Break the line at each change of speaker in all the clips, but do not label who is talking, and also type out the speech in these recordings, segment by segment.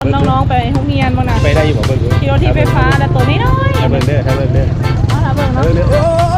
น้องๆไปห้องเรียนบ้างนะ
ไปได้อยู่บ่เบิ่งอยู่
ขี่รถที่ไฟฟ้าแต่ตัวนี้น้อย
ถ้าเบิ่งเด้อถ้าเบิ่งเด้อ
ถ้าเบิ่งเนาะต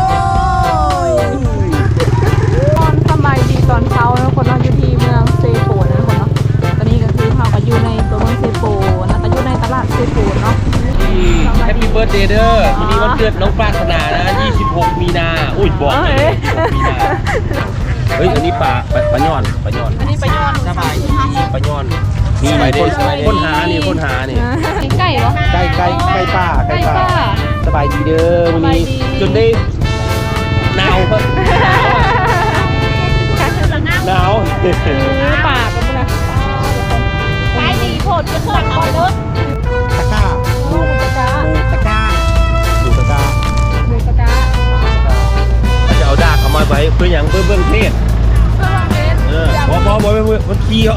อนสบายดีตอนเช้าทุกคนเราอยู่ที่เมืองเซโปนะทุกคนเนาะตอนนี้ก็คือเราก็อยู่ในตัวเมืองเซโปนะก็อยู่ในตลาดเซโปเนาะ
แฮปปี้เบิร์ธเดย์เด้อวันนี้วันเกิดน้องปรารถนานะ26มีนาอุ้ยบอกเลย26มีนาเฮ้ยอันนี้ปลาย่อน
อันนี้ปลาย่อน
สบายดีปลาย่อนนี่คนหานี่
ไก่เหรอ
ไก่ป้าสบายดีเด้อวันนี้จนได้หนาว
ปากกันนะไก่ดีโผล่จะเคลื่อนเอาไปเลย
ตะก้าดูตะก้าเราจะเอาดากเอามาไว้เพื่ออย่างเบื้องเทศบอมันขี้ออก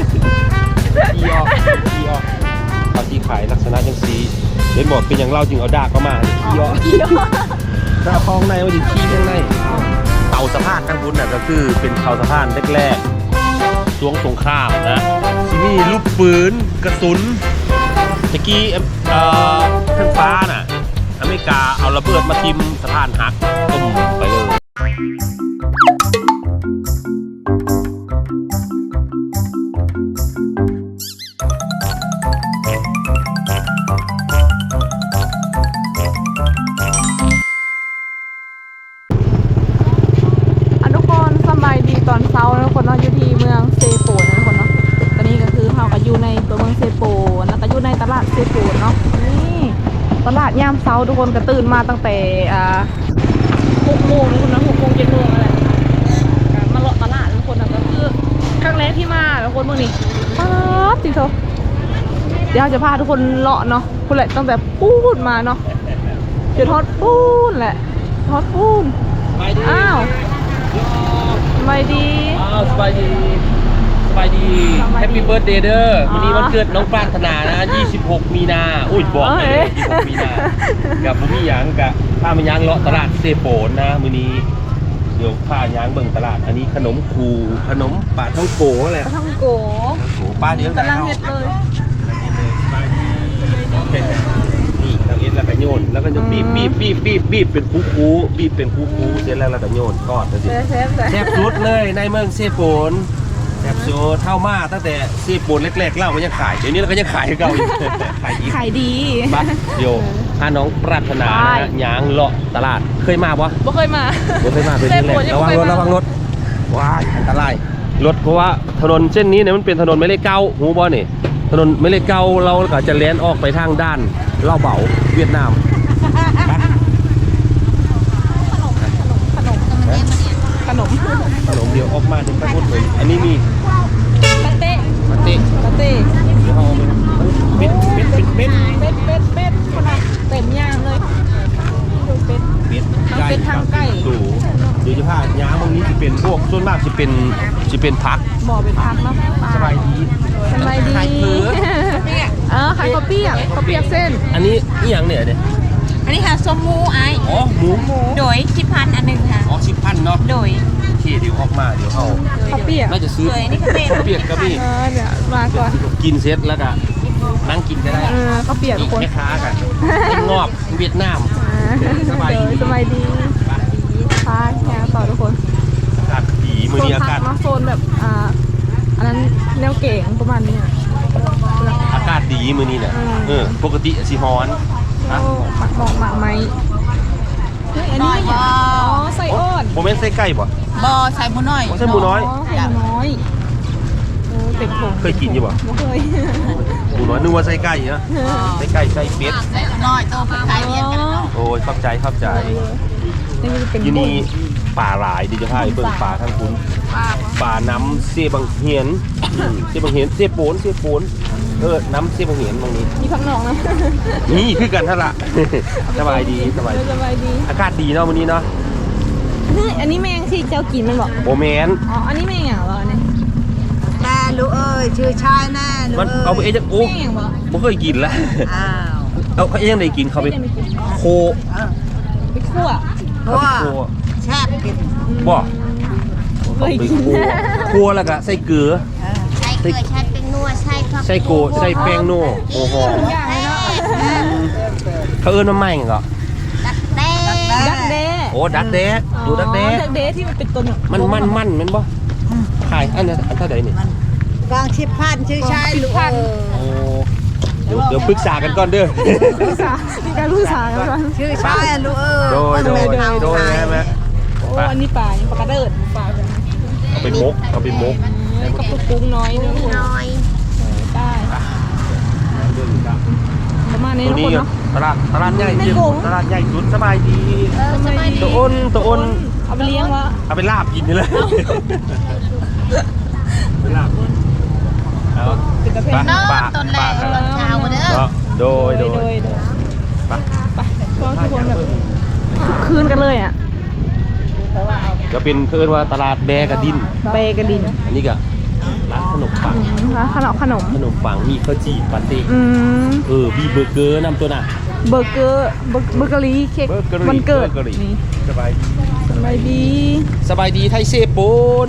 ตอนที่ขายลักษณะจังสีเล่นบอกเป็นอย่างเล่าจึงเอาดากเข้ามาขี้ออกถ้าคลองในมันจะขี้ข้างในเตาสะพานทั้งพุ้นน่ะก็คือเป็นเตาสะพานแรกๆช่วงสงครามนะที่นี่ลูกปืนกระสุนตะกี้ขึ้นฟ้าน่ะอเมริกาเอาระเบิดมาทิ่มสะพานหักต้มไปเลย
ตอนเช้านะทุกคนเนาะอยู่ที่เมืองเซโปนะทุกคนเนาะตอนนี้ก็คือเราก็อยู่ในตัวเมืองเซโปนะก็อยู่ในตลาดเซโปเนาะนี่ตลาดยามเช้าทุกคนก็ตื่นมาตั้งแต่6 โมงทุกคนนะ6 โมง 7 โมงอะไรมาเลาะตลาดทุกคนนะก็คือครั้งแรกที่มาทุกคนเมื่อนี้ป๊าบจริงเถอะเดี๋ยวจะพาทุกคนเลาะเนาะคุณแหละตั้งแต่ปูนมาเนาะจนทอดปูนแหละทอดปูนอ้าวสบายดี
สบายดีแฮปปี้เบิร์ธเดย์เด้อวันนี้วันเกิดน้องปรารถนานะ26มีนาอุ้ยบอกเลย26มีนากับบุมี่ยังกับผ้ามันยังเลาะตลาดเซโปนนะมื้อนี้เดี๋ยวผ้ายังเบิ่งตลาดอันนี้ขนมคูขนมปลาท่องโกอะไร
ปลาท่องโก
ป้าเดี๋ยวก
ำลังเฮ็ดเลย
นี่ทางเอ็ดแล้วก็โยนแล้วก็จะบีบเป็นคูบีบเป็นคูเสร็จแล้วเราก็โยนทอดเลยแซ่บสุดเลยในเมืองเซโปนแซ่บสุดเท่ามาตั้งแต่เซโปนแรกๆเล่ามันยังขายเดี๋ยวนี้เราก็ยังขายเก่าอยู่ขายดีบ้าเดี๋ยวถ้าน้องปรารถนาหยางเลาะตลาดเคยมาปะ
บ่เคยมา
เป็นที่แรกระวังรถว้ายอันตรายรถเพราะว่าถนนเส้นนี้เนี่ยมันเป็นถนนไม่เล็กเก้าหูบอนี่ถนนไม่เล็กเก้าเราก็จะเลี้ยนออกไปทางด้านเล่าเบาเวียดนาม
ขนม
เดี๋ยวออกมาถึงตะกุดเลยอันนี้มี
ปาเต้
เดี๋ยวเอาเม็ด
คนละเต็มย่างเลยดูเป็ดทางไก่
ดูเดี๋ยวจะพาย้ำตรงนี้จะเป็นพวกส่วนมากจะเป็นพัก
บ่อเป็นพักเนาะ
สบายดี
ขายข้าวเปียกเส้น
อันนี้นี่อย่างเนี่ย
อันนี้ค่ะส้มหมูไอ้
อ๋อหมู
โดย10,000อันหนึ่งค่ะ
อ๋อ10,000เนาะ
โดย
ที่เดี๋ยวออกมาเดี๋ยวเขา
ข้าวเปียก
น่าจะซื้อข้าวเปียกก็มี
เดี๋ยวมาก่อน
กินเสร็จแล้วก็นั่งกินก็ได้
ข้าวเปียกทุกคน
แม่ค้ากันงอบเวียดนาม
สบายดีพาแค่ต่อทุกคน
อากาศดีมือนี้อากาศ
โซนแบบอันนั้นแนวเก๋งประมาณนี้
อากาศดีมือนี้เนี่ยปกติสีฮ้อน
หมักไหมอันนี้ใส่อ้อน
โมเมนต์ใส่ไก่ป่ะ
ใส่หมูน้อย
ใส่หมูน้อย
เต็มถุง
เคยกินอยู่ป่ะ
เคย
หมูน้อยนึกว่าใส่ไก่เนาะใส่ไก่ใส่เป็ด
ใส่น้อยตัวไก่เลี้ยงกันเนาะ
โอ้ยเข้าใจที่นี่ป่าหลายดิจะพาไปเบิ่งป่าทางคุณป่าน้ำเสียบังเหียนเสียโปนน้ำเสียบังเหียนตรงนี้
มีพักหนองนะ
นี่คือกันท่าละสบายดีอากาศดีเนาะวันนี้เนาะ
อันนี้แมงที่เจ้ากินมันบอก
โบแมน
อ๋ออันนี้แมงอย่างเหรอเนี่ย
แน่ลูกเอ้ยชื่อชายแน่ลูก
มันเอาไปเอ๊ะจะโอ้บ่เคยกินละเอาเขาเองได้กินเขาไปโค
ไปคั่ว
แซ่บกิน
บ่เคยกินคั่วแล้วก็ใส่เกลือ
ใส่เกลือชัดเป็นนวด
ไส้โกไส้แป้งโน่โอ้โห
อย่างเลยเนาะ
เขาเอิ้นว่าไม่ไงก็
ดักเด้
โอ้ดักแด้ดูดักแด้
ดักเด้ที่มันเป็นตัวเนี่ย
มันมันบ่ขายอันนั้นอันเท่าไหร่นี่
กองชิบพันชื่อชายลูกเอ้ย
โอ้เดี๋ยวปรึกษากันก่อนเด้อ
ลูกสาวมีการลูกสาวกันก่อน
ชื่อชายลูกเอ้ย
โดยใช่ไหม
โอ้อันนี้ปลายังปลากระเดิดปลาแบบ
เอาไปมก
กับปุกปุ้งน้อยเนื้อน้อยได้ประมาณนี้
ตัว
ทุก
นี้
คนเนาะ
ตลาดใหญ่จริงตลาดใหญ่สุดสบายดี
สบายดี
ตัวอ้น
เอาไปเลี้ยงวะ
เอาไปลาบกินนี่เลยลาบเอา
เป็นตะเพน
ปลาโดย
ไปก็ทุกคนแบบคืนกันเลยอ่ะ
จะเป็นเพื่อนว่าตลาดแบกระดิน
เบกระดิน
อันนี้ก็ร้านขนมปัง
ร้านขนม
ขนมปังมีข้าวจี่ปาเต้ มีเบอร์เกอร์นำตัวน่ะ
เบอร์เกอร์เค้กวันเกิดนี่
สบายดี
สบายดี
สบายดีไทยเซโปน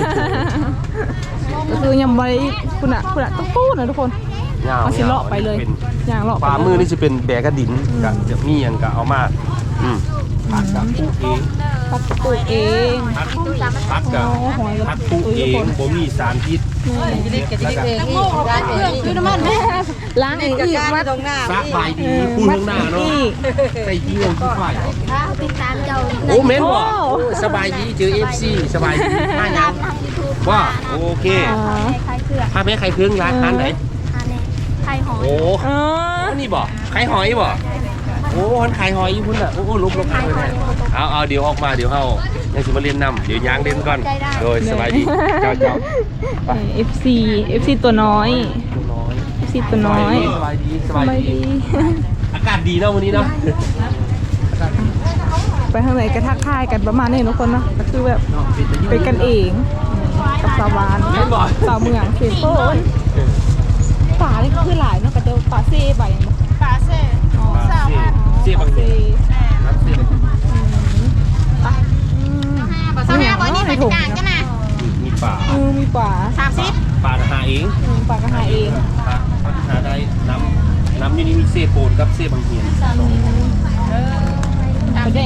ก็คือยังไว้คุณอะต้องปูนะทุกคนเอาสิเลาะไปเลยอย่างเลาะ
ปลามือนี่จะเป็นแบกระดินกะจะมีอย่างกะเอามาผัดกับปูเอง
ปักปลูกเอง
ผัดกับผัดปูเองบ่มีสารพิษแล้วก็
คือน้ำมันแม่ล้างเองอีกมัด
ตรงหน้า
ซักใบดีพูดข้างหน้าเนาะใส่ยี่ห้อที่ฝ่าย
ติดตามเจ้า
โอ้เม้นบ่สบายดีเจอ FC สบายดีมายังว่าโอเค
ใครเสือก
พาแม่ใครเครื่องร้านไหน
ใครหอย
โอ้
อ๋อ
นี่บ่ไข่หอยบ่โอ้คนขายหอยอยู่พุ่นอ่ะโอ้ลบเลยเอาเดี๋ยวออกมาเดี๋ยวเฮายังสิมาเรียนนำเดี๋ยวยางเล่นก่อนโดยสบายดีเจ้า
FC ตัวน้อย FC ตัวน้อย
สบายดีอากาศดีเนาะวันนี้เนาะ
ไปทางไหนก็ทักทายกันประมาณนี้ทุกคนเนาะก็คือแบบเป็นกันเองกับสาวบ้านสาวเมืองเซโปนป่านี่ก็คือหลายเนาะก็จะป่าเซ่ใบ
ปลาเซ่
เสียบาง
เซ่
เสียบ
ปลาเซ่บอนี่มันจะกางกันนะ
มีป่า
มีป่า
30
ป่ากระหาเอง
ป่ากระหายเอง
หาได้น้ำอยู่นี่มีเซโปนกับเซบางเฮียน
ประเด็ก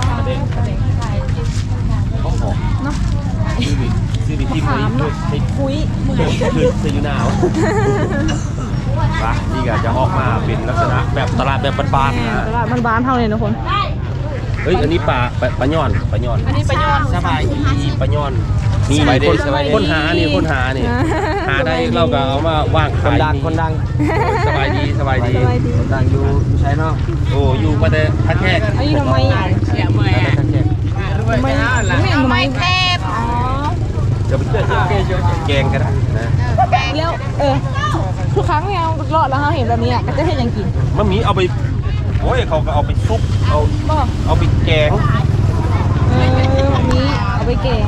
เขาหอม
เนาะ
ซื้อไปทิ้งไว้ให้
คุย
เพื่ออยู่หนาวปะนี่ก็จะออกมาเป็นลักษณะแบบตลาดแบบบ้านๆนะ
ตลาดบ้านๆเท่านี้ทุกคน
เฮ้ยอันนี้ปลาย่อน
อันนี้ปลาย่อน
สบายดีปลาย่อนนี่คนหานี่หาได้เราก็เอามาว่างขายคนดังสบายดีดังอยู่ใช่เนาะโอ้อยู่มาแต่ทักแขก
อันนี้ทำไมอ่ะ
ทักแขก
ทำไมทำไมแคบอ๋อ
จะไปแกงก็ได้นะ
แล้วทุกครั้งเนี่ยรอดแล้วเราเห็นแบบนี้อ่ะก็จะเห็นอย่างกิน
มันมีเอาไปโอ้ยเขาก็เอาไปซุปเอาไปแกง
แบบนี้เอาไปแกง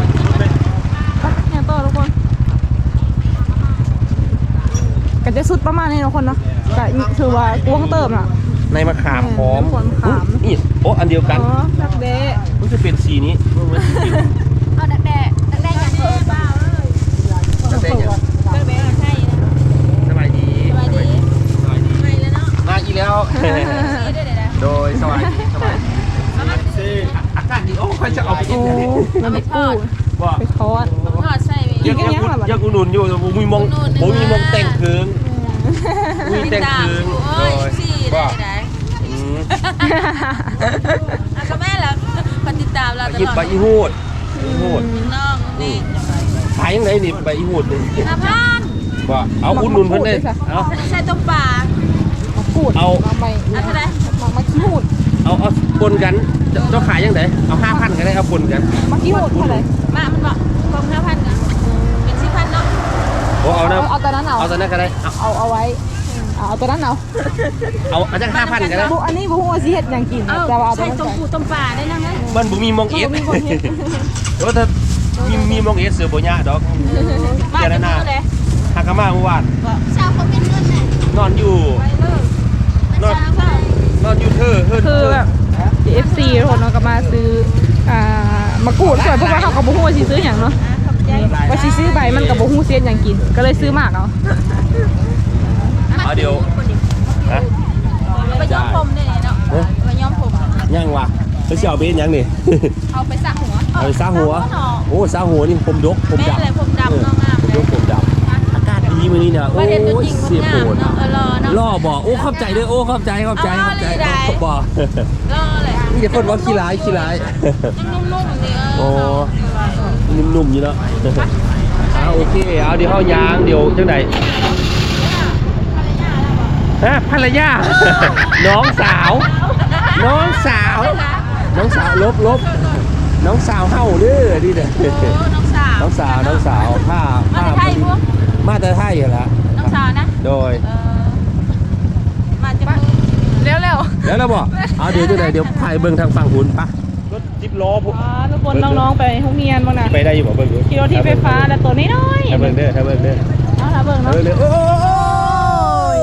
เนี่ยต่อทุกคนก็จะสุดประมาณนี้ทุกคนเนาะก็ถือว่ากวงเติมอ่ะ
ในมะขามหอม
มะขาม
นี่โอ้อันเดียวกัน
อ๋อดักเด้
มันจะเป็นสีนี้
เอาดักแด้อย่างเพิ่มเปล่า
จะเป็นอย่าง
ดักแด้ใช่
สบายดี
ไปแล้วเนาะ
มาอีกแล้ว โดยสบายดีอากาศดีโอ้ใครจะเอาไปกิน
โอ้
เนี่ย
น้ำปู
ว่า
ไปทอด
ทอดใส่
ยังอุดหนุนอยู่ผมมีมองแต่งเคืองมีแต่งเคืองโดยว่า
ก็แม่แล้วคนติดตามเราต
กิน
ลอด
ใบอีหูด
น้องนี่
ขายยังไงนี่ใบอีหูดนี่
น้ำพัน
ว่าเอาอุดหนุนเพิ่นได้เอา
ใส่ต้มปลา
มาปูดมาใหม่
อันเท่าไร
มาขี้หูด
เอาปนกันเจ้าขายยังไงเอา5,000ก็ได้เอาปนกัน
มาขี้หูดเท่าไหร่
มามันบอกกอง5,000กันเป็น10,000เนาะ
โอ้เอานะ
เอาตอนนั้นเอา
เอาตอนนั้นก็ได้
เอาไว้เอาตัวนั้นเอา
เอาจาก5,000ก็ได้
บุอันนี้บุหัวซีเห็ดอย่างกินแต่ว่าเอาตัว
ใส่
นั้น
ต้มปูต้มปลาได้นั่งไหม
มันบ่มีมองเอส
มีคนเห็ด
โอ้ถ้ามีมองเอสเสือบ่ยะดอก
บ้านจะพูดเลย
หากมาเมื่อวาน
ชาวเขาเป็นเงินเลย
นอนอยู่นอนอยู่เธอ
คือแบบ FC ทุกคนเนาะก็มาซื้อมะกรูดส่วนพวกเราเขาก็บุหัวซีซื้ออย่างเนาะว่าสิซื้อใบมันกับบ่ฮู้เสียนหยังกิน ก็เลยซื้อมากเอา
เอาเดี๋ยวฮะ
ไปย้อมผมได้เนาะไปย้อมผม
ยังวะไปเสี่ยวเบนยังนี่
เอาไปสระหัว
เอาไปซาหัวโอ้ซาหัวนี่ผมดกผม
แม่
ดำ
อะไรผมดำเนาะงาม
ผม
เล
ด
ย
กผมดำอากาศดีมื้อนี้เนี่ยโอ้
ประเทศตัว
ย
จริง
เสีย
งา
โป
ม
น
เนาะรอเนาะ
ล่อบอกโอ้เข้าใจด้วยโอ้เข้าใจบอก
เอาเลย
นี่จะคนว่าขี้ร้ายขี้ร้าย
นุ่มๆนี่
โอ้นุ่มๆอยู่เนาะโอเคเอาเดี๋ยวเฮายางเดี๋ยวจังไดฮะภรรยา น้องสาวน้องสาวน้องสาวลบน้องสาวเฮาเด้อนี่เด้อ
น้องสาว
น้องสาวผ้า
มาแต่ไทยพวก
มาแต่ไทยเหรอ
น้องสาวนะ
โดย
มาจะ
เร็ว
แล้วเราบอกเอาเดี๋ยวจังไดเดี๋ยวพายเบิ่งทางฝั่งหุ่นปะรถ10ล้อพวก
ๆอ๋อทุกคนน้องๆไปโรงเรียนบ่น่ะ
ไปได้อยู่บ่เบิ่งดู
ขี่รถที่ไฟฟ้าแล้วตัวน้อยๆ
ถ้าเบิ่งเด้อ
เอาล่ะเบิ่งเนาะ
โอ้ย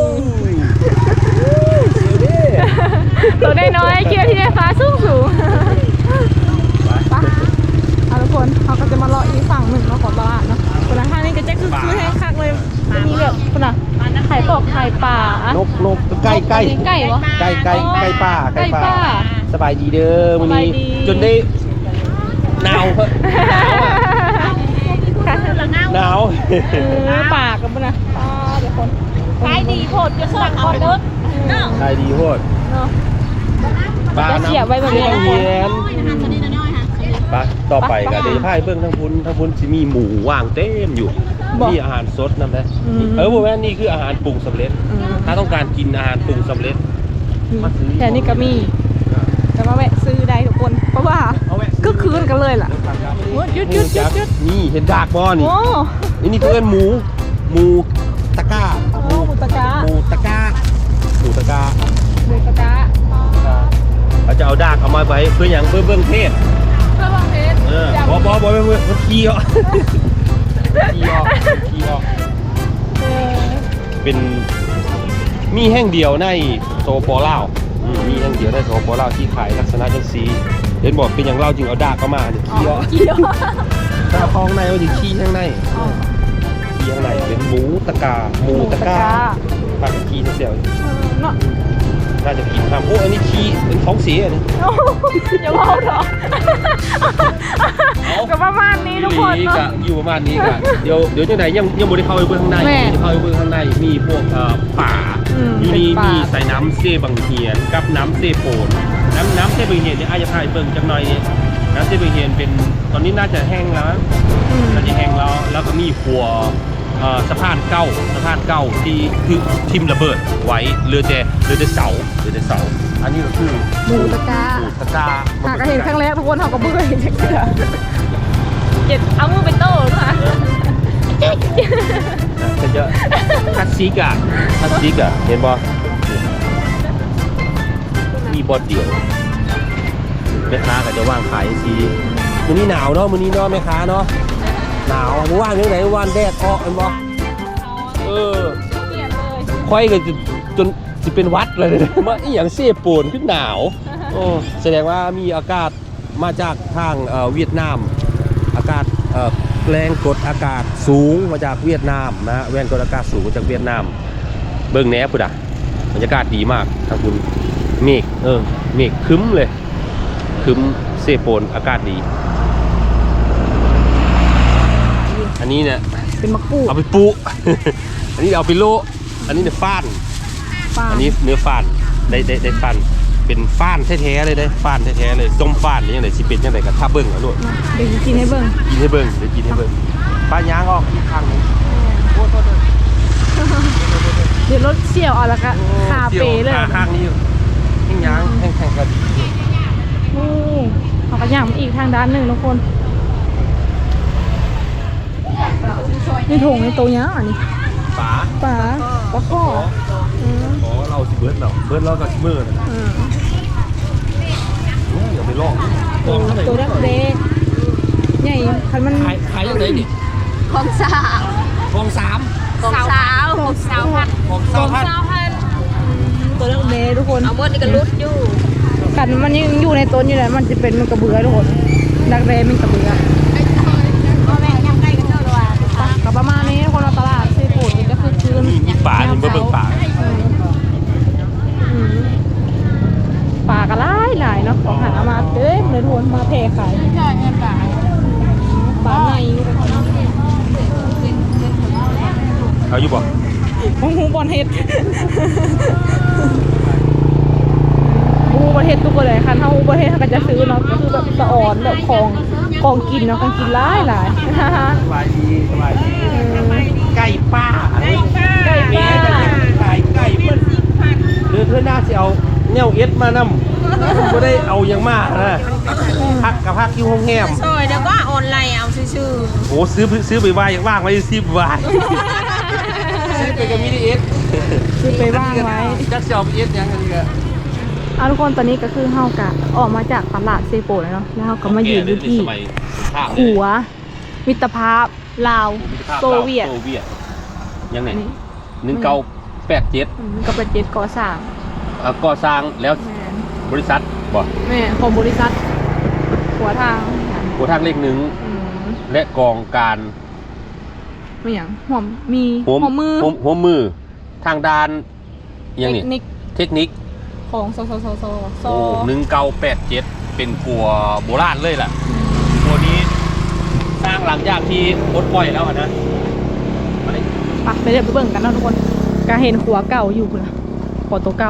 ตัวน้อยๆขี่รถที่ไฟฟ้าสูงไปเอาทุกคนเขาก็จะมาเลาะอีกฝั่งหนึ่งเนาะของตลาดเนาะคนละท่างนี่ก็จะคือแห้งคักเลยจะมีแบบคนน่ะไข่ปอกไข่ป่าน
กใกล้
ไก่วะ
ใกล้ป้า
ไก่ป่า
สบายดีเด้อมื้อนี้
สบายดี
จนได้หนาวเพิ่นหนาว
ปากกันปะนะเดี๋ยวคน
ขายดีโพดจะสั่งออเดอร์เนาะ
ใช่ดีโพด
เนาะ
บ้า
จะเสียบไว้แบบนี้
เฮียน
อาหารตัวนี้น้อยค่ะ
ไปต่อไปก็เดี๋ยวจะพาไปเบิ่งทั้งพุ้นสิมีหมูว่างเต็มอยู่มีอาหารสดนำได้บ่แม่นนี่คืออาหารปรุงสำเร็จ ถ้าต้องการกินอาหารปรุงสำเร็จมาซื้อ
แค่นี้ก็มีแต่ว่าแวะซื้อได้ทุกคนเพราะว่าก็คืนกันเลยล่ะหยุด
นี่เห็นดากบ่นี่
โอ้
นี่เพื่อนหมูตะก้า
หมูตะกะ
หมูตะก้า
หมูตะกะ
เราจะเอาดากเอามาไว้เพื่ออย่างเพื่อเบื้องเทศ
เพื่อวางเพชร
บอเพื่อขี้ออกขี้ออกเป็นมีแห่งเดียวในโซโปลาวมีแห่งเดียวในโซโปลาวที่ขายลักษณะจังสีเห็นบอกเป็นอย่างเล่าจึงเอาดากเข้ามาเนี่ยขี้ออก
เกี่ยว
ถ้าคลองในมันจะขี้ข้างในขี้ข้างในเป็นหมูตะกาปากขี้เสียว
เนาะ
น่าจะกินทำโอ้อันนี้ขี้เป็นท้องเสียอันนี้
อย่าเมาเถอะก็ประมาณนี้ทุกคน
นี่
เนาะ
กะอยู่ประมาณนี้กะเดี๋ยวจังไหนยังไม่ได้เข้าไปเบื้องข้างใน
แม่
จะเข้าไปเบื้องข้างในมีพวกป่าอยู่นี่
เป็นป่ามี
มีใส่น้ำเซบังเฮียนกับน้ำเซโปนน้ำเซบังเฮียนเนี่ยอาจจะพายเบิ่งจังหน่อยน้ำเซบังเฮียนเป็นตอนนี้น่าจะแห้งแล้วน่าจะแห้งแล้วก็มีหัวสะพานเก่าที่คือทิมระเบิดไว้เรือแต่เสาอันนี้ก็คือ
หมูตะกะ
หมูตะกา
หากเห็นครั้งแรกทุกคนเขาก็เบื่อเห็นจักเกือเก็บเอามือไปโต้ด้วยค่ะ
จะเยอะคัดซิกอะเห็นบ่มีบอดเดียวแม่ค้าก็จะว่างขายซีมื้อนี้หนาวเนาะมื้อนี้เนาะแม่ค้าเนาะหนาวเมื่อวานยังไงวันแดดออกเห็นบ่ค่อยก็จนสิเป็นวัดเลยมาอีหยังเซโปนขึ้นหนาวแสดงว่ามีอากาศมาจากทางเวียดนามอากาศแรงกดอากาศสูงมาจากเวียดนามนะแรงกดอากาศสูงมาจากเวียดนามเบิ่งแหน่พุ่นอ่ะบรรยากาศดีมากทางคุณเมฆเมฆครึ้มเลยครึ้มเซโปนอากาศดีอันนี้เนี่ย
เป็นมะกรูด
เอาไปปุ อันนี้เอาไปโลอันนี้เนี่ยฟ้านอันนี้เนื้อฟ้านได้ฟ้านเป็นฟ้านแท้ๆเลยได้ฟ้านแท้ๆเลยส้มฟ้านหรือยังไงสิเป็นยังไงกับท่าเบิ้งอ่ะลูก
เดี๋ยวกินให้เบิ่ง
กินให้เบิ้งเดี๋ยวกินให้เบิ้งป้าย่างออกอีกครั้งนึงโทษ
เดี๋ยวรถเสี่ยวเอาแล้วก็คาเฟ่เลย
ข้างนี้อยู่แห้งย่างแห้งๆก็ดี
โอ้เขาก็ย่างมาอีกทางด้านหนึ่งทุกคนนี่ถุงในตัวเนี้ยอันนี้
ป๋า
ปลาข้อ
ขอเราสิเบิร์ดเรากับสิเบิร์ดนะเดี๋ยวไปลองเท่าไหร่
ตัวเล็กใหญ่คันมัน
ขายยังไงดิ
ของสาว
ฟอง3
ของสาวพัน
ฟอง
ของ
3,000
สาวพัน
ตัวเล็กทุกคน
เอาหมดนี่ก็รุดอยู่
กันมันยังอยู่ในต้นอยู่เลยมันจะเป็นมันกระเบือทุกคนดักแร้มันกระเบือ
พ่อแม่ยังไง
เอาอยู่บ่
หูบอลเฮ็ดหูบอลเฮ็ดทุกคนเลยคันเฮาหูบอลเฮ็ดเขาก็จะซื้อเนาะก็คือแบบสะอ่อนแบบของกินเนาะของกินหลาย
สบายดีไก่ป้า
ไก่ป้า
ขายไก่เพิ่นเพื่อนน่าสิเอาแนวเอสมานำบ่ได้เอาอย่างมากนะพักกับพักอยู่ห้องแฮม
ซอยเดี๋ยวก็ออนไลน์เอาชื่อ
โอ้ซื้อไปวายอย่างว่างไว้10 บาทซื้อไปกับมินิเอส
ซื้อไปว่างไว้
จักสิเอาไปเอสยังกันดีกว่า
ทุกคนตอนนี้ก็คือเฮากะออกมาจากตลาดเซโปแล้วเนาะแล้วเฮาก็มายืนอยู่ที่หัวมิตรภาพลาวโซเวียต
ยังไง
อันนี้
1987
ก็เป็นเจ็ดก่อสร้าง
ก่อสร้างแล้วบริษัทบ่
แม่ของบริษัทหัวทาง
หัวทางเลข
อืม
1และกองการ
ไม่อย่างหัวมีหัวมือ
หัวมือทางด้านยังนี่
เทคนิค
เทคนิค
ของซ
โอ้1987เป็นขัวโบราณเลยล่ะขัวนี้สร้างหลังจากที่ปลดปล่อยแล้วนะมาเลย
ไปเดี๋ยวไปเบิ่งกันเนาะทุกคนก็เห็นขัวเก่าอยู่คุณนะขัวตัวเก่า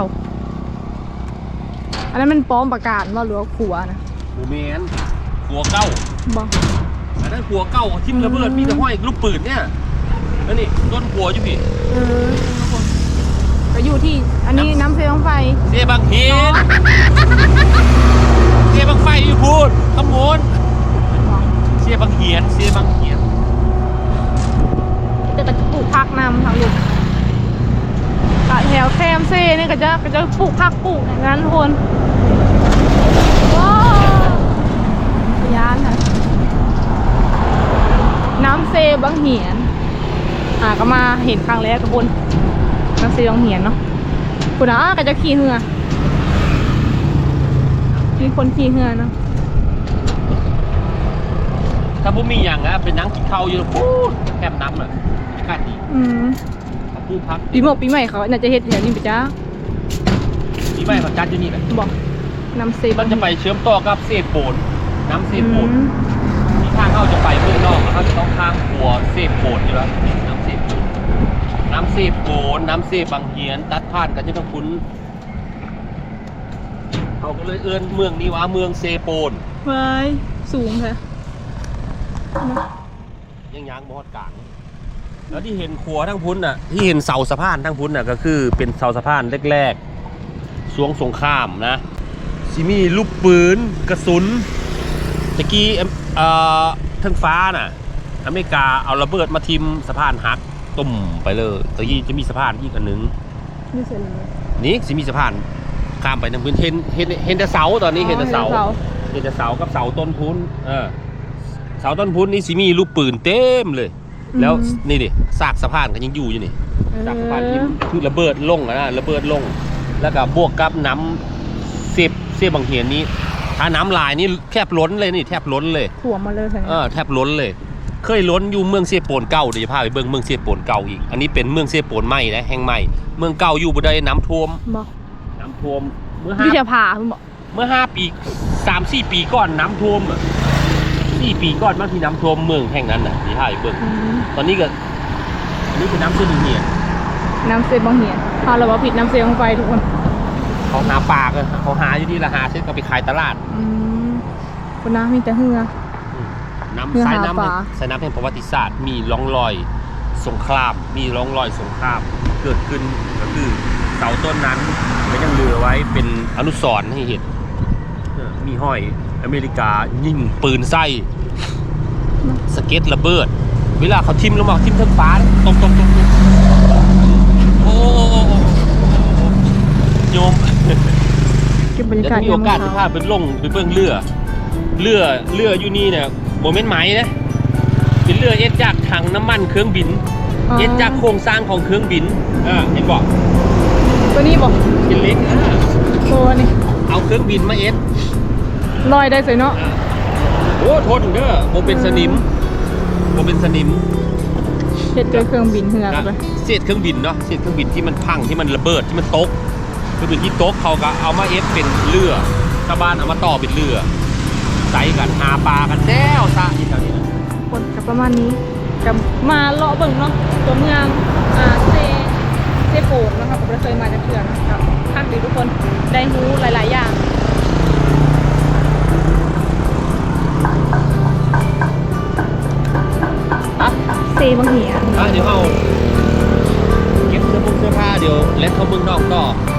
อันนั้นมันป้อมประกาศว่าหรือว่าขัวนะ
โมเมนขัวเก้า
บอก
อันนั้นขัวเก้าทิ่มระเบิดมีแต่ห้อยลูกปืนเนี่ยแล้วนี่ต้นขัวอยู่พี่
ทุกคนก็อยู่ที่อันนี้น้ำเซลล์ไฟ
เสียบางเฮียนเสียบางไฟอยู่พูดขโมนเสียบางเฮียน
จะกระปลูกผักนำทางลูกแถวแคมเซ่นี่ก็จะปลูกผักปลูกอย่างนั้นทุกคนว้าวย่านค่ะน้ำเซบางเหียนก็มาเห็นครั้งแรกกับคนน้ำเซบางเหียนเนาะคุณก็จะขี่เหือมีคนขี่เหือเนาะ
ถ้าพวกมีอย่างนะเป็นนังกินข้าวอยู่พูดแคบน้ำอ่ะอากาศดีพูดพัก
ปีใหม่เขาน่าจะเฮ็ดแถวนี้ไปจ้า
ปีใหม่ของการอยู่นี่แหละ
บอกน้ำเซ
มันจะไปเชื่อมต่อกับเซโปนน้ำเซโปนที่ทางเขาจะไปเมืองนอกเขาจะต้องข้ามขัวเซโปนอยู่แล้วน้ำเซโปนน้ำเซบางเฮียนตัดผ่านกันจะต้องคุ้นเขาก็เลยเอื้อนเมืองนี้ว่าเมืองเซโปน
ไว้สูงค่ะ
ยังบอดกลางแล้วที่เห็นขัวทั้งพุ้นน่ะที่เห็นเสาสะพานทั้งพุ้นน่ะก็คือเป็นเสาสะพานแรกๆช่วงสงครามนะซิมีลูกปืนกระสุนตะกี้ทั้งฟ้าน่ะอเมริกาเอาระเบิดมาทิมสะพานหักตุ่มไปเลยตะกี้จะมีสะพานอีกอันหนึ่ง
ไม่เสร็จเลย
นี่สิมีสะพานข้ามไปทางพื้นเห็นแต่เสาตอนนี้เห็นแต่เสากับเสาต้นพุ้นเสาต้นพุ้นนี่สิมีลูกปืนเต็มเลยแล้วนี่ดิซากสะพานก็ยังอยู่นี่ซากสะพานที่คือระเบิดลงนะระเบิดลงแล้วก็บวกกับน้ำเสียบางเหียนนี้ถ้าน้ำลายนี่แทบล้นเลยนี่แทบล้นเลย
ถ่วมมาเลยค่ะ
แทบล้นเลยเคยล้นอยู่เมืองเสียโปนเก่าเดี๋ยวจะพาไปเบิ่งเมืองเสียโปนเก่าอีกอันนี้เป็นเมืองเสียโปนใหม่นะแห่งใหม่เมืองเก่าอยู่บ่ได้น้ำท่วม
บอก
เมื่อ
วิทยาภาคุณบอก
5 ปี 3-4 ปีก่อนน้ำท่วม4 ปีก่อนบางทีน้ำท่วมเมืองแห่งนั้นน่ะที่พาไปเบิ่งตอนนี้ก็อันนี้คือน้ำเสียเหียน
น้ำเซบางเหียนพาเราว่าผิดน้ำเซลงไปทุกคน
เขาหาปลากันเขาหาอยู่ที่ละหาเส้นก็ไปขายตลาด
คุณน้ามีแต่เหือ
น้ำ
เพื่อ
สาย
หา
น้ำ
ปลา
สายน้ำแห่งประวัติศาสตร์มีร่องรอยสงครามเกิดขึ้นก็คือเสาต้นนั้นก็ยังเหลือไว้เป็นอนุสรณ์ให้เห็นมีห้อยอเมริกายิงปืนไส้สเก็ตระเบิดเวลาเขาทิ่มลงมาทิ่มทั้งฟ้าตรงโอ้โยม
เก็บบรรยา
แล้ว
กาศ
มีโอกาสจะพาไปลงไปเบื้องเรืออยู่นี่เนี่ยโมเมนต์ไหมนะเป็นเรือเอ็ดจากถังน้ำมันเครื่องบินเอ็ดจากโครงสร้างของเครื่องบินเห็นบอก
ตัวนี้บอก
เป็นเล็ก
ตัวนี้
เอาเครื่องบินมาเอ็ด
ลอยได้สวยเนาะ
โอ้ทนเด้อโมเป็นสนิม
เฮ็ดด้วยเครื่องบินเหือกันไป
เศษเครื่องบินเนาะเศษเครื่องบินที่มันพังที่มันระเบิดที่มันตกเครื่องบินที่ตกเขาก็เอามาเอ็ดเป็นเรือชาวบ้านเอามาต่อเป็นเรือใส่กันหาปลากันแซวซะที่แถวนี้นะ
คนกับประมาณนี้กับมาเลาะเบิ่งเนาะตัวเมืองเซเซโปนนะครับผมเคยมาจากเถื่อนนะครับภาคดีทุกคนได้รู้หลายๆอย่างเซบางเหีย
เดี๋ยวเอาเก็บเสื้อผ้าเดี๋ยวเล่นเข้าเมืองนอกต่อ